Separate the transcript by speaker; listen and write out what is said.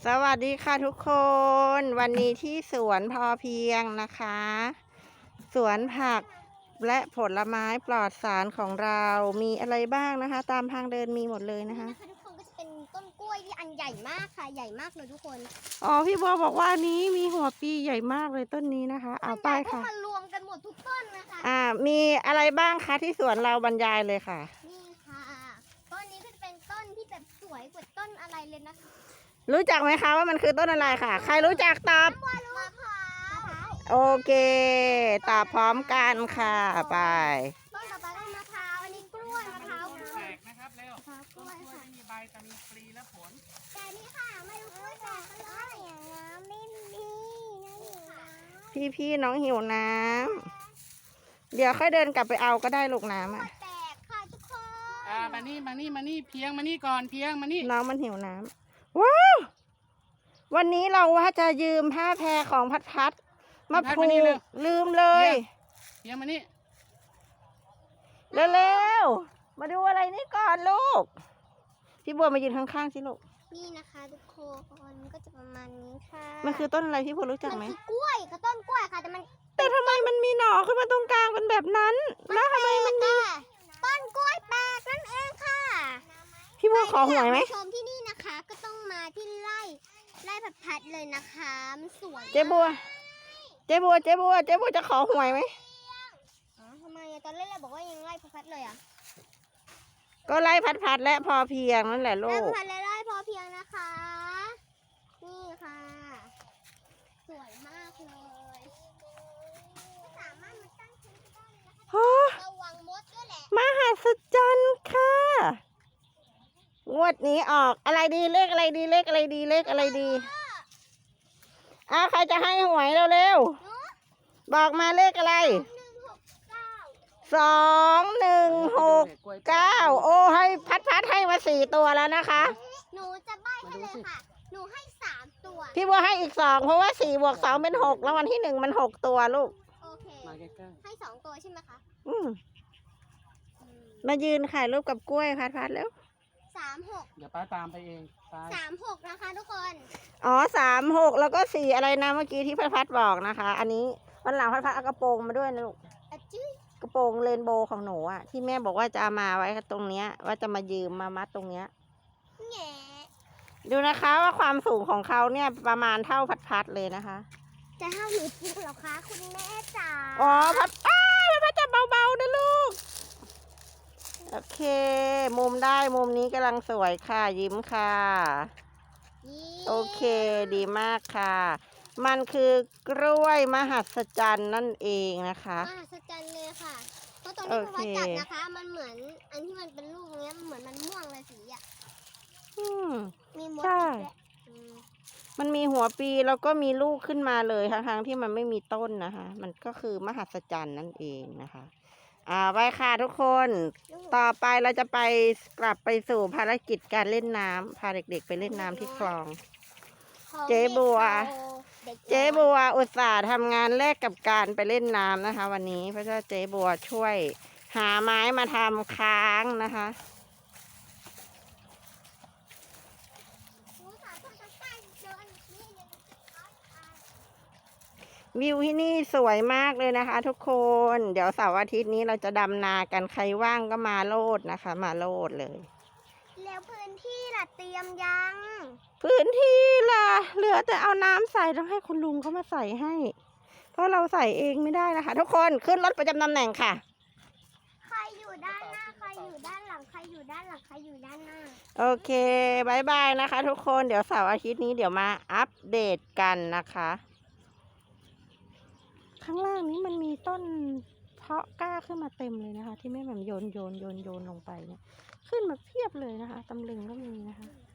Speaker 1: สวัสดีค่ะทุกคน วันนี้ที่สวนพอเพียงนะคะ สวนผักและผลไม้ปลอดสารของเรามีอะไรบ้างนะคะ ตามทางเดินมีหมดเลยนะคะ
Speaker 2: ทุกคนก็จะเป็นต้นกล้วยที่อันใหญ่มากค่ะใหญ่มากเลยทุกคน
Speaker 1: อ๋อพี่บัวบอกว่านี้มีหัวปีใหญ่มากเลยต้นนี้นะคะเอาไปค่ะ
Speaker 2: มารวมกันหมดทุกต้นนะคะ
Speaker 1: มีอะไรบ้างคะที่สวนเราบรรยายเลยค่ะ
Speaker 2: นี่ค่ะต้นนี้ก็จะเป็นต้นที่แบบสวยกว่าต้นอะไรเลยนะคะ
Speaker 1: รู้จักไหมคะว่ามันคือต้นอะไรค่ะใครรู้จักตอบ
Speaker 2: มะพร้าว
Speaker 1: โอเคตอบพร้อมกันค่ะไป
Speaker 2: ต้นต่อไปก็มะพร้าวอันนี้กล้วยมะพร้าวกล้วย
Speaker 3: แตกนะครับเร็วต้นกล้วยไม่มีใบแต่มีปลีและผล
Speaker 2: แต่นี่ค่ะไม่รู้กล้วยแตกเลยอย่างน้ำไม่มี
Speaker 1: พี่น้องหิวน้ำเดี๋ยวค่อยเดินกลับไปเอาก็ได้ลูกน้ำอ่ะ
Speaker 2: แตกค่ะทุกคน
Speaker 3: มานี่เพียงมานี่ก่อนเพียงมานี่
Speaker 1: น้องมันหิวน้ำว้าววันนี้เราว่าจะยืมผ้าแพรของพัดมาผูกลืมเลย
Speaker 3: เพียงมานี่
Speaker 1: เร็วๆมาดูอะไรนี่ก่อนลูกพี่บัวมายืนข้างๆสิลูก
Speaker 2: นี่นะคะทุกคนก็จะประมาณนี้ค่ะ
Speaker 1: มันคือต้นอะไรพี่บัวรู้จักไหม
Speaker 2: มันคือกล้วยกับต้นกล้วยค่ะ
Speaker 1: แต่ทำไมมันมีหน่อขึ้นมาตรงกลางเป็นแบบนั้นแล้วทำไมมันมี
Speaker 2: ต้นกล้วยแปลกนั่นเองค่ะ
Speaker 1: พี่บัวขอหวยไหม
Speaker 2: ชมที่นี่นะคะก็ต้องมาที่ไร่ผัดเลยนะคะมันสวย
Speaker 1: เจ๊บัวจะขอหวยไหม
Speaker 2: ทำไมตอนแรกเราบอกว่ายังไร่ผัดเลยอ่ะ
Speaker 1: ก็ไล่พัดและพอเพียงนั่นแหละลูก
Speaker 2: ไร่ผัดและไร่พอเพียงนะคะนี่ค่ะสวยมากเลยสามารถมาตั้งชิ้นได้เลยนะคะระวังมดด้วยแหละ
Speaker 1: มหัศจรรย์ค่ะงวดนี้ออกอะไรดีเลขอะไรดีใครจะให้หวยเร็วๆบอกมาเลขอะไร2169โอ้ให้พัดให้มา4ตัวแล้วนะคะ
Speaker 2: หนูจะใบ้ให้เลยค่ะหนูให้3ตัว
Speaker 1: พี่บัวให้อีก2เพราะว่า4 บวก 2เป็น6แล้ววันที่1มัน6ตัวลูก
Speaker 2: โอเคให้2ตัวใช่ไหมคะ
Speaker 1: มายืนถ่ายรูปกับกล้วยพัดแล้ว
Speaker 2: 36
Speaker 3: เดี๋ยวป้าตามไปเอง
Speaker 2: 36นะคะทุกคน
Speaker 1: อ๋อ36แล้วก็4อะไรนะเมื่อกี้ที่พัดบอกนะคะอันนี้วันหลังพัดเอากระโปรงมาด้วยนะลูกกระโปรงเรนโบว์ของหนูอ่ะที่แม่บอกว่าจะเอามาไว้ตรงเนี้ยว่าจะมายืมมามัดตรงเนี้ยดูนะคะว่าความสูงของเขาเนี่ยประมาณเท่าพัดเลยนะคะ
Speaker 2: จะเท่าหนูจริงเหรอคะคุณแม่จ๋า
Speaker 1: อ๋อพัดจะเบาๆนะลูกโอเคมุมได้มุมนี้กำลังสวยค่ะยิ้มค่ะโอเคดีมากค่ะมันคือกล้วยมหัศจรรย์นั่นเองนะคะ
Speaker 2: มหัศจรรย์เลยค่ะเพราะตอนที่พ่อจัดนะคะมันเหมือนอันที่มันเป็นลูกเนี้ยมันเหมือนมันม่วงเลยสีอ่ะมีมด
Speaker 1: ใช่มันมีหัวปีแล้วก็มีลูกขึ้นมาเลยทั้งที่มันไม่มีต้นนะคะมันก็คือมหัศจรรย์นั่นเองนะคะไปค่ะทุกคนต่อไปเราจะไปกลับไปสู่ภารกิจการเล่นน้ำพาเด็กๆไปเล่นน้ำที่คลองเจ๊บัวอุตส่าห์ทำงานแลกกับการไปเล่นน้ำนะคะวันนี้เพราะว่าเจ๊บัวช่วยหาไม้มาทำค้างนะคะวิวที่นี่สวยมากเลยนะคะทุกคนเดี๋ยวเสาร์อาทิตย์นี้เราจะดำนากันใครว่างก็มาโลดนะคะมาโลดเลย
Speaker 2: แล้วพื้นที่ล่ะเตรียมยัง
Speaker 1: พื้นที่ล่ะเหลือแต่เอาน้ำใส่ต้องให้คุณลุงเขามาใส่ให้เพราะเราใส่เองไม่ได้นะคะทุกคนขึ้นรถประจำตำแหน่งค่ะ
Speaker 2: ใครอยู่ด้านหน้าใครอยู่ด้านหลังใครอยู่ด้านหลังใครอยู่ด้านหน้า
Speaker 1: โอเคบายบายนะคะทุกคนเดี๋ยวเสาร์อาทิตย์นี้เดี๋ยวมาอัปเดตกันนะคะข้างล่างนี้มันมีต้นเพาะกล้าขึ้นมาเต็มเลยนะคะที่แม่แบบโยนลงไปเนี่ยขึ้นมาเพียบเลยนะคะตำลึงก็มีนะคะ